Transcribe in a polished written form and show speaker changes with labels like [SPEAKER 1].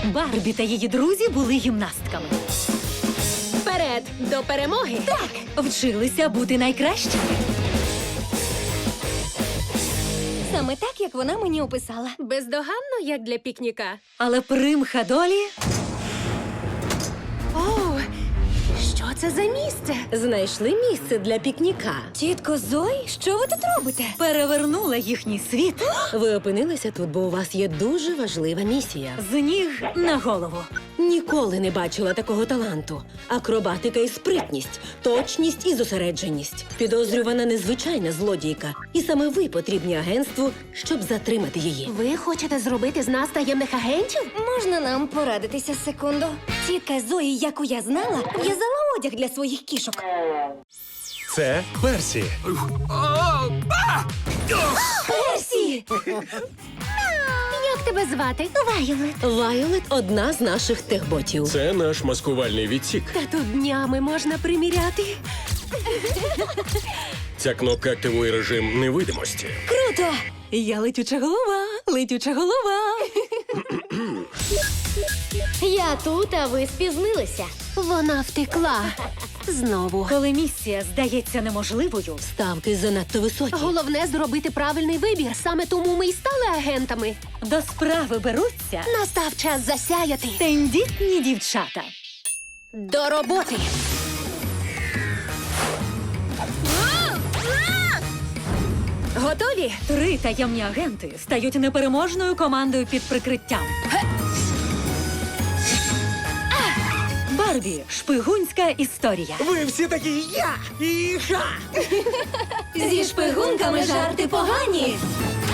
[SPEAKER 1] Барбі та її друзі були гімнастками.
[SPEAKER 2] Вперед, до перемоги!
[SPEAKER 1] Так, вчилися бути найкращими.
[SPEAKER 3] Саме так, як вона мені описала.
[SPEAKER 2] Бездоганно, як для пікніка.
[SPEAKER 1] Але примха долі
[SPEAKER 2] О, що це за місце?
[SPEAKER 4] Знайшли місце для пікніка.
[SPEAKER 3] Тітко Зої, що ви тут робите?
[SPEAKER 1] перевернула їхній світ
[SPEAKER 4] Ви опинилися тут, бо у вас є дуже важлива місія.
[SPEAKER 1] з ніг на голову.
[SPEAKER 4] Ніколи не бачила такого таланту. Акробатика і спритність, точність і зосередженість. Підозрювана незвичайна злодійка. І саме ви потрібні агентству, щоб затримати її.
[SPEAKER 2] Ви хочете зробити з нас таємних агентів?
[SPEAKER 3] Можна нам порадитися секунду? Тітка Зої, яку я знала, в'язала одяг для своїх кішок.
[SPEAKER 5] Це Персі.
[SPEAKER 3] Персі!
[SPEAKER 2] Як тебе звати?
[SPEAKER 3] Вайолет.
[SPEAKER 4] Вайолет – одна з наших техботів.
[SPEAKER 5] Це наш маскувальний відсік.
[SPEAKER 2] Та тут днями можна приміряти.
[SPEAKER 5] Ця кнопка активує режим невидимості.
[SPEAKER 3] Круто!
[SPEAKER 1] Я летюча голова, летюча голова.
[SPEAKER 2] Я тут, а ви спізнилися. Вона втекла. Знову.
[SPEAKER 1] Коли місія здається неможливою,
[SPEAKER 4] Ставки занадто високі.
[SPEAKER 2] Головне зробити правильний вибір. Саме тому ми й стали агентами.
[SPEAKER 1] до справи беруться
[SPEAKER 2] Настав час засяяти.
[SPEAKER 1] тендітні дівчата.
[SPEAKER 2] До роботи. Готові?
[SPEAKER 1] 3 таємні агенти стають непереможною командою під прикриттям. Барбі. Шпигунська історія.
[SPEAKER 5] Ви всі такі я і ха!
[SPEAKER 3] Зі шпигунками жарти погані.